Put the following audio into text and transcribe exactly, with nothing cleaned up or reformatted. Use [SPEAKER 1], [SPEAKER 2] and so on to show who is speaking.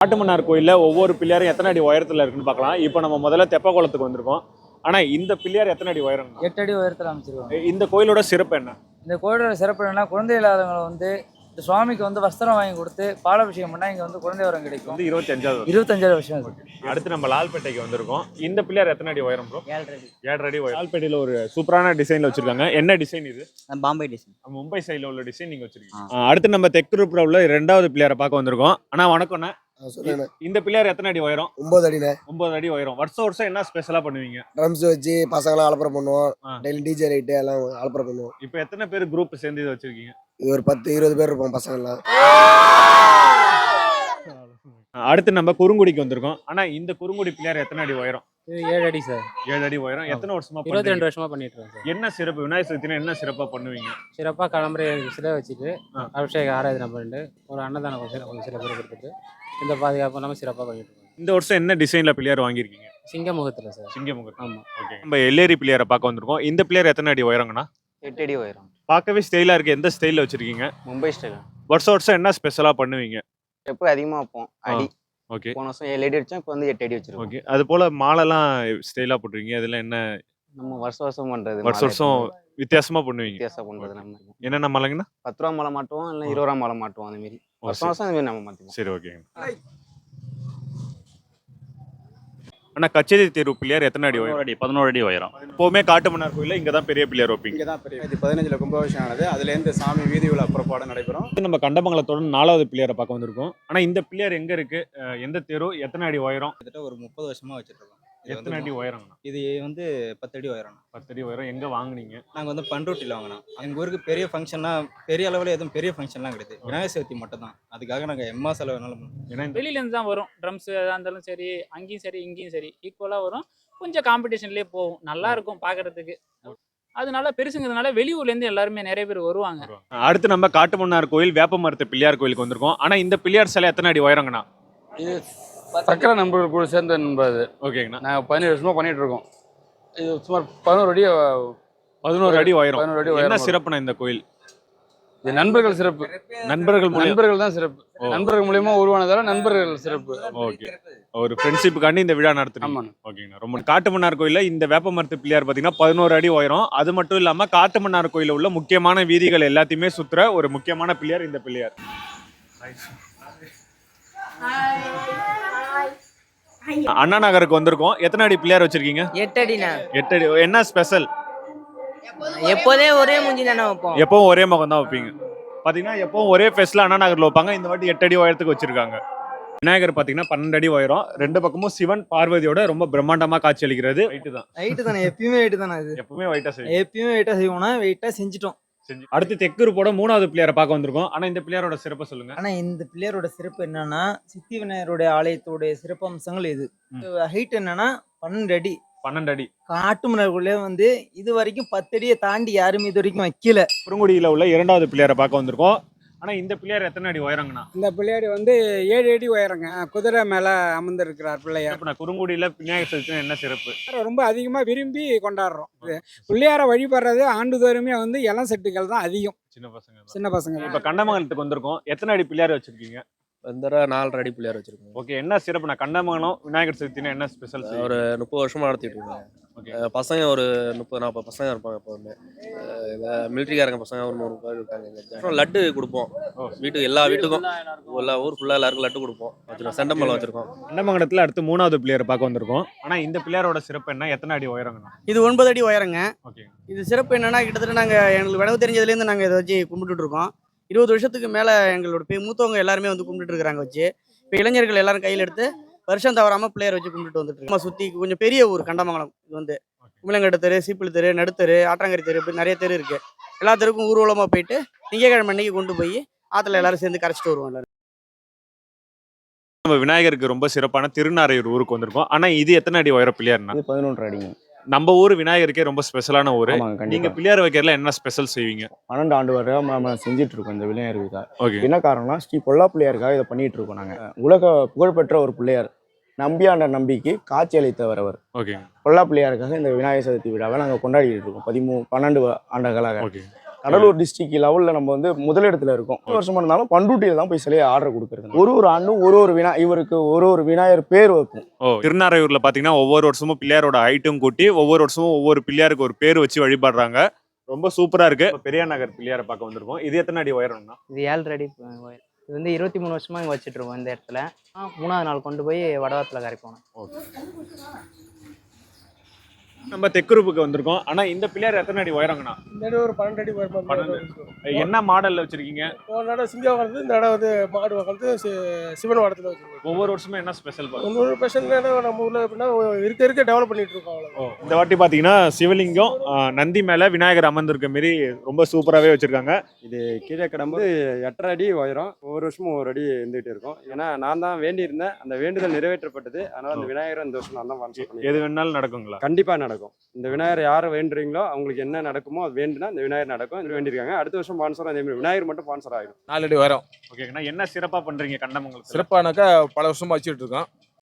[SPEAKER 1] காட்டுமன்னார் கோயிலில் ஒவ்வொரு பிள்ளையாரும் எத்தனை அடி உயரத்தில் இருக்குன்னு பார்க்கலாம். இப்போ நம்ம முதல்ல தெப்பக்குளத்துக்கு வந்திருக்கோம். ஆனால் இந்த பிள்ளையார் எத்தனை அடி உயரம்?
[SPEAKER 2] எட்டு அடி உயரத்தில் அமைச்சிருக்கோம்.
[SPEAKER 1] இந்த கோயிலோட சிறப்பு என்ன?
[SPEAKER 2] இந்த கோயிலோட சிறப்பு என்னன்னா, குழந்தை இல்லாதவங்களை வந்து இந்த சுவாமிக்கு வந்து வஸ்திரம் வாங்கி கொடுத்து பாலாபிஷேகம் பண்ணால் இங்கே வந்து குழந்தை வரம் கிடைக்கும்.
[SPEAKER 1] வந்து இருபத்தஞ்சாவது
[SPEAKER 2] இருபத்தஞ்சாவது வருஷம்.
[SPEAKER 1] அடுத்து நம்ம லால்பேட்டைக்கு வந்திருக்கோம். இந்த பிள்ளையார் எத்தனை அடி உயரம் ப்ரோ?
[SPEAKER 2] ஏழரை அடி.
[SPEAKER 1] ஏழரை அடி உயரம். லால்பேட்டையில் ஒரு சூப்பரான டிசைனில் வச்சிருக்காங்க. என்ன டிசைன் இது?
[SPEAKER 2] பாம்பே டிசைன்.
[SPEAKER 1] மும்பை சைடில் உள்ள டிசைன் நீங்கள் வச்சிருக்கீங்க. அடுத்து நம்ம தெற்குப்புற உள்ள ரெண்டாவது பிள்ளையாரை பார்க்க வந்திருக்கோம். ஆனால் வணக்கம்ண்ணே, இந்த பிள்ளையார் எத்தனை அடி உயரம்?
[SPEAKER 3] ஒன்பது அடிண்ணே.
[SPEAKER 1] ஒன்பது அடி உயரம். வருஷம் வருஷம் என்ன ஸ்பெஷலா பண்ணுவீங்க?
[SPEAKER 3] ட்ரம்ஸ் வச்சு பசங்களாம் அலப்பறை பண்ணுவோம். டெய்லி டிஜே ரைட்டு எல்லாம் அலப்பறை பண்ணுவோம்.
[SPEAKER 1] இப்போ எத்தனை பேர் குரூப் சேர்ந்து இதை வச்சிருக்கீங்க?
[SPEAKER 3] இது ஒரு பத்து இருபது பேர் இருப்போம் பசங்கள்லாம்.
[SPEAKER 1] அடுத்து நம்ம குறுங்குடிக்கு வந்திருக்கோம். ஆனா இந்த குறுங்குடி பிள்ளையார் எத்தனை அடி உயரம்?
[SPEAKER 2] இது ஏழு அடி சார்.
[SPEAKER 1] ஏழு அடி உயரம். எத்தனை வருஷமா?
[SPEAKER 2] இருபத்தி ரெண்டு வருஷமா பண்ணிட்டு இருக்கோம் சார்.
[SPEAKER 1] என்ன சிறப்பு? விநாயகர் சதுர்த்தினா என்ன சிறப்பா பண்ணுவீங்க?
[SPEAKER 2] சிறப்பாக கிளம்புற சிலை வச்சுட்டு அபிஷேக ஆராதனை பண்ணிட்டு ஒரு அன்னதானம் கொஞ்சம் சில பேர் கொடுத்துட்டு இந்த பாதுகாப்பு இல்லாமல் சிறப்பாக பண்ணிட்டு இருக்கோம்.
[SPEAKER 1] இந்த வருஷம் என்ன டிசைன்ல பிள்ளையார் வாங்கியிருக்கீங்க?
[SPEAKER 2] சிங்கமுகத்தில் சார்.
[SPEAKER 1] சிங்கமுகம்.
[SPEAKER 2] ஆமாம்.
[SPEAKER 1] ஓகே. நம்ம எல்லேரி பிள்ளையாரை பார்க்க வந்திருக்கோம். இந்த பிள்ளையார் எத்தனை அடி உயரங்கண்ணா?
[SPEAKER 4] எட்டு அடி உயரம்.
[SPEAKER 1] பார்க்கவே ஸ்டைலா இருக்கு. எந்த ஸ்டைலில் வச்சிருக்கீங்க?
[SPEAKER 4] மும்பை ஸ்டைல்.
[SPEAKER 1] வருஷம் வருஷம் என்ன ஸ்பெஷலா பண்ணுவீங்க?
[SPEAKER 4] எப்போ அதிகமாக வைப்போம் அடி.
[SPEAKER 1] ஓகே.
[SPEAKER 4] போன வருஷம் ஏழு அடி அடிச்சோம், இப்போ வந்து எட்டு அடி வச்சிருக்கோம்.
[SPEAKER 1] ஓகே. அது போல மாலைலாம் ஸ்டைலா போட்டுருக்கீங்க. அதெல்லாம் என்ன?
[SPEAKER 4] நம்ம வருஷம் வருஷம் பண்றது.
[SPEAKER 1] வருஷம் வருஷம் வித்தியாசமா பண்ணுவீங்க.
[SPEAKER 4] வித்தியாசம் பண்றது நம்ம.
[SPEAKER 1] என்னென்ன மாலைங்கண்ணா?
[SPEAKER 4] பத்து ரூபா மாலை மாட்டுவோம், இல்லை இருபது ரூபா மாலை மாட்டுவோம். அந்த மாதிரி வருஷம் வருஷம் அந்த மாதிரி நம்ம மாற்றுவோம்.
[SPEAKER 1] சரி, ஓகேங்க. அண்ணா, கச்சேரி தேர்வு பிள்ளையார் எத்தனை அடி உயரம்?
[SPEAKER 5] அடி பதினோரு அடி உயரம்.
[SPEAKER 1] எப்பவுமே காட்டுமன்னார் கோயிலில் இங்கே தான் பெரிய பிள்ளையார் வைப்பீங்க.
[SPEAKER 6] இங்கே தான் பெரிய. இது பதினஞ்சுல கும்பாபிஷேகம் ஆனது. அதுலேருந்து சாமி வீதி உள்ள புறப்பாடு நடைபெறும்.
[SPEAKER 1] நம்ம கண்டமங்கலத்தோட நாலாவது பிள்ளையாரை பார்க்க வந்திருக்கோம். ஆனால் இந்த பிள்ளையார் எங்கே இருக்கு? எந்த தேர்வு? எத்தனை அடி உயரம்?
[SPEAKER 6] கிட்டத்தட்ட ஒரு முப்பது வருஷமா வச்சுட்டு இருக்கோம்.
[SPEAKER 1] எத்தனை அடி உயரங்கண்ணா?
[SPEAKER 6] இது வந்து பத்து அடி உயரம்.
[SPEAKER 1] பத்து அடி உயரம். எங்கே வாங்குனீங்க?
[SPEAKER 6] நாங்கள் வந்து பண்ருட்டியில் வாங்கினோம். எங்கள் ஊருக்கு பெரிய ஃபங்க்ஷன்னா பெரிய அளவில் எதுவும் பெரிய ஃபங்க்ஷன்லாம் கிடையாது. விநாயகர் சதுர்த்தி மட்டும் தான். அதுக்காக நாங்கள் எம்மா செலவு வேணாலும்
[SPEAKER 1] ஏன்னா
[SPEAKER 7] வெளியிலேருந்து தான் வரும். ட்ரம்ஸ் எதாக இருந்தாலும் சரி, அங்கேயும் சரி இங்கேயும் சரி ஈக்குவலாக வரும். கொஞ்சம் காம்படிஷன்லேயே போகும். நல்லா இருக்கும் பார்க்கறதுக்கு. அதனால பெருசுங்கிறதுனால வெளியூர்லேருந்து எல்லாருமே நிறைய பேர் வருவாங்க.
[SPEAKER 1] அடுத்து நம்ம காட்டுமன்னார் கோயில் வேப்பமரத்து பிள்ளையார் கோயிலுக்கு வந்திருக்கோம். ஆனால் இந்த பிள்ளையார் சிலை எத்தனை அடி உயரங்கண்ணா?
[SPEAKER 8] இது சக்கரை நண்பர்கள் கூட சேர்ந்த நண்பர்.
[SPEAKER 1] ஓகேங்கண்ணா.
[SPEAKER 8] நாங்கள் பதினேழு வருஷமா பண்ணிட்டு இருக்கோம். இது சுமார் பதினோரு அடி
[SPEAKER 1] பதினோரு அடி உயரம்.
[SPEAKER 8] பதினோரு அடி
[SPEAKER 1] என்ன
[SPEAKER 8] உயரம்.
[SPEAKER 1] சிறப்புண்ணா இந்த கோயில்?
[SPEAKER 8] இது நண்பர்கள் சிறப்பு.
[SPEAKER 1] நண்பர்கள் மூலியம்.
[SPEAKER 8] நண்பர்கள் தான் சிறப்பு. நண்பர்கள் மூலியமா உருவானதால நண்பர்கள் சிறப்பு.
[SPEAKER 1] ஓகே. ஒரு ஃப்ரெண்ட்ஷிப்புக்காண்டி இந்த விழா நடத்துறீங்க.
[SPEAKER 8] ஆமாண்ணா.
[SPEAKER 1] ஓகேங்கண்ணா. ரொம்ப காட்டுமன்னார் கோயிலில் இந்த வேப்பமரத்து பிள்ளையார் பார்த்தீங்கன்னா பதினோரு அடி உயரம். அது மட்டும் இல்லாமல் காட்டுமன்னார் கோயிலில் உள்ள முக்கியமான வீதிகள் எல்லாத்தையுமே சுற்றுற ஒரு முக்கியமான பிள்ளையார் இந்த பிள்ளையார். அண்ணா நகருக்கு வந்திருக்கோம். எத்தனை அடி பிள்ளையார் வச்சிருக்கீங்க?
[SPEAKER 9] எட்டு அடிண்ணா.
[SPEAKER 1] எட்டு அடி. என்ன ஸ்பெஷல்?
[SPEAKER 9] எப்போதே ஒரே மூஞ்சி தானே வைப்போம்.
[SPEAKER 1] எப்பவும் ஒரே முகம் தான் வைப்பீங்க. பாத்தீங்கன்னா எப்பவும் ஒரே ஃபேஸ்ல அண்ணா நகர்ல வைப்பாங்க. இந்த வாட்டி எட்டு அடி உயரத்துக்கு வச்சிருக்காங்க. விநாயகர் பாத்தீங்கன்னா பன்னெண்டு அடி உயரம். ரெண்டு பக்கமும் சிவன் பார்வதியோட ரொம்ப பிரம்மாண்டமா காட்சி அளிக்கிறது. வெயிட் தான்.
[SPEAKER 2] வெயிட் தானே, எப்பயுமே வெயிட் தானே. இது
[SPEAKER 1] எப்பவுமே வெயிட்டா செய்யும்.
[SPEAKER 2] எப்பயுமே வெயிட்டா செய்வோம்னா வெயிட்டா செஞ்சுட்டோம்.
[SPEAKER 1] அடுத்து தெற்குருப்போட மூணாவது பிள்ளையாரை பார்க்க வந்திருக்கோம். ஆனா இந்த பிள்ளையாரோட சிறப்பை சொல்லுங்க.
[SPEAKER 2] ஆனா இந்த பிள்ளையாரோட சிறப்பு என்னன்னா, சித்தி விநாயகருடைய ஆலயத்தோட சிறப்பு அம்சங்கள் இது. ஹைட் என்னன்னா பன்னெண்டு அடி.
[SPEAKER 1] பன்னெண்டு அடி.
[SPEAKER 2] காட்டுமன்னார்குள்ளே வந்து இது வரைக்கும் பத்து அடியை தாண்டி யாரும் இது வரைக்கும் வைக்கல.
[SPEAKER 1] குறுங்குடியில உள்ள இரண்டாவது பிள்ளையாரை பார்க்க வந்திருக்கோம். ஆனா இந்த பிள்ளையார் எத்தனை அடி உயரங்கண்ணா?
[SPEAKER 10] இந்த பிள்ளையார் வந்து ஏழு அடி உயரங்க. குதிரை மேல அமர்ந்திருக்கிறார் பிள்ளையார்.
[SPEAKER 1] இப்ப நான் குறுங்குடியில விநாயகர் சதுர்த்தி என்ன சிறப்பு?
[SPEAKER 10] ரொம்ப அதிகமா விரும்பி கொண்டாடுறோம். பிள்ளையாரை வழிபடுறது ஆண்டுதோறுமே வந்து இளம் செட்டுகள் தான் அதிகம்.
[SPEAKER 1] சின்ன பசங்க.
[SPEAKER 10] சின்ன பசங்க.
[SPEAKER 1] இப்ப கண்டமங்கலத்துக்கு வந்திருக்கோம். எத்தனை அடி பிள்ளையார் வச்சிருக்கீங்க?
[SPEAKER 5] இந்த நாலரை அடி பிள்ளையார் வச்சிருக்கோம்.
[SPEAKER 1] ஓகே. என்ன சிறப்பு? நான் கண்டமங்கலம் விநாயகர் சதுர்த்தினா என்ன ஸ்பெஷல்?
[SPEAKER 5] ஒரு முப்பது வருஷமா நடத்திட்டு இருக்கோம். பசங்க ஒரு முப்பது நாற்பது பசங்க இருப்பாங்க. எப்போதுமே மிலிட்ரிக்காரங்க பசங்க ஒரு நூறு பேர் இருக்காங்க. லட்டு கொடுப்போம் வீட்டுக்கு, எல்லா வீட்டுக்கும், எல்லா ஊர் ஃபுல்லாக எல்லாருக்கும் லட்டு கொடுப்போம். வச்சிருக்கோம். செண்டமல்லம் வச்சிருக்கோம்.
[SPEAKER 1] கண்டமங்கலத்தில் அடுத்து மூணாவது பிள்ளையார் பார்க்க வந்திருக்கோம். ஆனால் இந்த பிள்ளையாரோட சிறப்பு என்ன? எத்தனை அடி உயரங்கண்ணா?
[SPEAKER 9] இது ஒன்பது அடி உயரங்க.
[SPEAKER 1] ஓகே.
[SPEAKER 9] இது சிறப்பு என்னன்னா, கிட்டத்தட்ட நாங்கள் எங்களுக்கு வினவு தெரிஞ்சதுலேருந்து நாங்கள் இதை வச்சு கும்பிட்டுட்டு இருக்கோம். இருபது வருஷத்துக்கு மேலே எங்களோட பே மூத்தவங்க எல்லாருமே வந்து கும்பிட்டு இருக்கிறாங்க வச்சு. இப்போ இளைஞர்கள் எல்லாரும் கையில் எடுத்து வருஷம் தவறாமல் பிள்ளையர் வச்சு கும்பிட்டு வந்துட்டு இருக்கோம். சுற்றி கொஞ்சம் பெரிய ஊர் கண்டமங்கலம். இது வந்து குமிழங்கட்டு தெரு, சீப்பிள் தெரு, நடுத்தெரு, ஆற்றாங்கரை தெரு, இப்படி நிறைய தெரு இருக்குது. எல்லா தெருக்கும் ஊர்வலமாக போயிட்டு திங்கக்கிழமை அன்னைக்கு கொண்டு போய் ஆற்றுல எல்லாரும் சேர்ந்து கரைச்சிட்டு வருவோம். எல்லாரும்
[SPEAKER 1] நம்ம விநாயகருக்கு ரொம்ப சிறப்பான திருநாரையூர் ஊருக்கு வந்திருக்கோம். ஆனால் இது எத்தனை அடி உயர பிள்ளையார்னா?
[SPEAKER 4] இது பதினொன்று அடிங்க.
[SPEAKER 1] நம்ம ஊர் விநாயகருக்கே ரொம்ப ஸ்பெஷலான ஊர். நீங்க பிள்ளையார் வைக்கிறதுல என்ன ஸ்பெஷல் செய்வீங்க?
[SPEAKER 4] பன்னெண்டு ஆண்டு வரை நம்ம செஞ்சுட்டு இருக்கோம் இந்த விநாயகருக்காக.
[SPEAKER 1] ஓகே.
[SPEAKER 4] என்ன காரணம்னா, ஸ்ரீ பொல்லா பிள்ளையாருக்காக இதை பண்ணிட்டு இருக்கோம். நாங்கள் உலக புகழ்பெற்ற ஒரு பிள்ளையார், நம்பியாண்ட நம்பிக்கை காட்சி அளித்தவர் அவர்.
[SPEAKER 1] ஓகே.
[SPEAKER 4] பொல்லா பிள்ளையாருக்காக இந்த விநாயகர் சதுர்த்தி விழாவை நாங்கள் கொண்டாடிட்டு இருக்கோம் பதிமூணு பன்னெண்டு ஆண்டுகளாக.
[SPEAKER 1] ஓகே.
[SPEAKER 4] கடலூர் டிஸ்ட்ரிக்ட் லெவலில் நம்ம வந்து முதலிடத்துல இருக்கோம். ஒரு வருஷமா இருந்தாலும் பண்ருட்டியில தான் போய் சிலையை ஆர்டர் கொடுக்குறது. ஒரு ஒரு ஆண்டும் ஒரு ஒரு வினா இவருக்கு ஒரு ஒரு விநாயகர் பேர் வைக்கும்.
[SPEAKER 1] ஓ திருநாரையூர்ல பாத்தீங்கன்னா ஒவ்வொரு வருஷமும் பிள்ளையாரோட ஹைட்டும் கூட்டி ஒவ்வொரு வருஷமும் ஒவ்வொரு பிள்ளையாருக்கு ஒரு பேர் வச்சு வழிபடுறாங்க. ரொம்ப சூப்பரா இருக்கு. பெரியா நகர் பிள்ளையாரை பார்க்க வந்திருக்கோம். இது எத்தனை அடி உயரம்னா?
[SPEAKER 11] இது ஏழு அடி உயரம். இது வந்து இருபத்தி மூணு வருஷமா இங்கே வச்சுட்டு இருக்கோம் இந்த இடத்துல. மூணாவது நாள் கொண்டு போய் வடவாத்துல கரைப்போம்.
[SPEAKER 1] நம்ம தெக்குருப்புக்கு வந்திருக்கோம். ஆனா இந்த பிள்ளையார் எத்தனை அடி உயரங்கண்ணா?
[SPEAKER 12] இந்த இடம் ஒரு பன்னெண்டு அடி உயரம்.
[SPEAKER 1] பன்னெண்டு. என்ன மாடல்ல வச்சிருக்கீங்க?
[SPEAKER 12] ஒரு நட சிங்கம் வளர்த்து இந்த இடம் வந்து மாடு வளர்த்து சிவன் வாடத்தில் வச்சிருக்கோம்.
[SPEAKER 1] ஒவ்வொரு வருஷமும் என்ன ஸ்பெஷல்?
[SPEAKER 12] ஒவ்வொரு ஸ்பெஷல் நம்ம ஊர்ல எப்படின்னா இருக்க இருக்க டெவலப் பண்ணிட்டு இருக்கோம். அவ்வளோ
[SPEAKER 1] இந்த வாட்டி பாத்தீங்கன்னா சிவலிங்கம் நந்தி மேல விநாயகர் அமர்ந்திருக்க மாரி ரொம்ப சூப்பராகவே வச்சிருக்காங்க.
[SPEAKER 13] இது கீழே கிடம்பு எட்டரை அடி உயரம். ஒவ்வொரு வருஷமும் ஒரு அடி இருந்துகிட்டு இருக்கோம். ஏன்னா நான் தான் வேண்டி இருந்தேன், அந்த வேண்டுதல் நிறைவேற்றப்பட்டது. அதனால அந்த விநாயகர் இந்த வருஷம் நான் தான் வாங்கி
[SPEAKER 1] எது வேணாலும் நடக்குங்களா?
[SPEAKER 13] கண்டிப்பா நடக்கும். இந்த விநாயகர் யாரை வேண்டுறீங்களோ அவங்களுக்கு என்ன நடக்குமோ அது வேண்டுனா இந்த விநாயகர் நடக்கும். இது வேண்டியிருக்காங்க. அடுத்த வருஷம் பான்சர் அதே மாதிரி விநாயகர் மட்டும் பான்சர் ஆகிடும்.
[SPEAKER 14] நாலு அடி உயரம்.
[SPEAKER 1] ஓகேங்கண்ணா. என்ன சிறப்பா பண்றீங்க கண்டமங்கலத்துல?
[SPEAKER 14] சிறப்பானாக்கா பல வருஷமா வச்சுட்டு இருக்கோம்.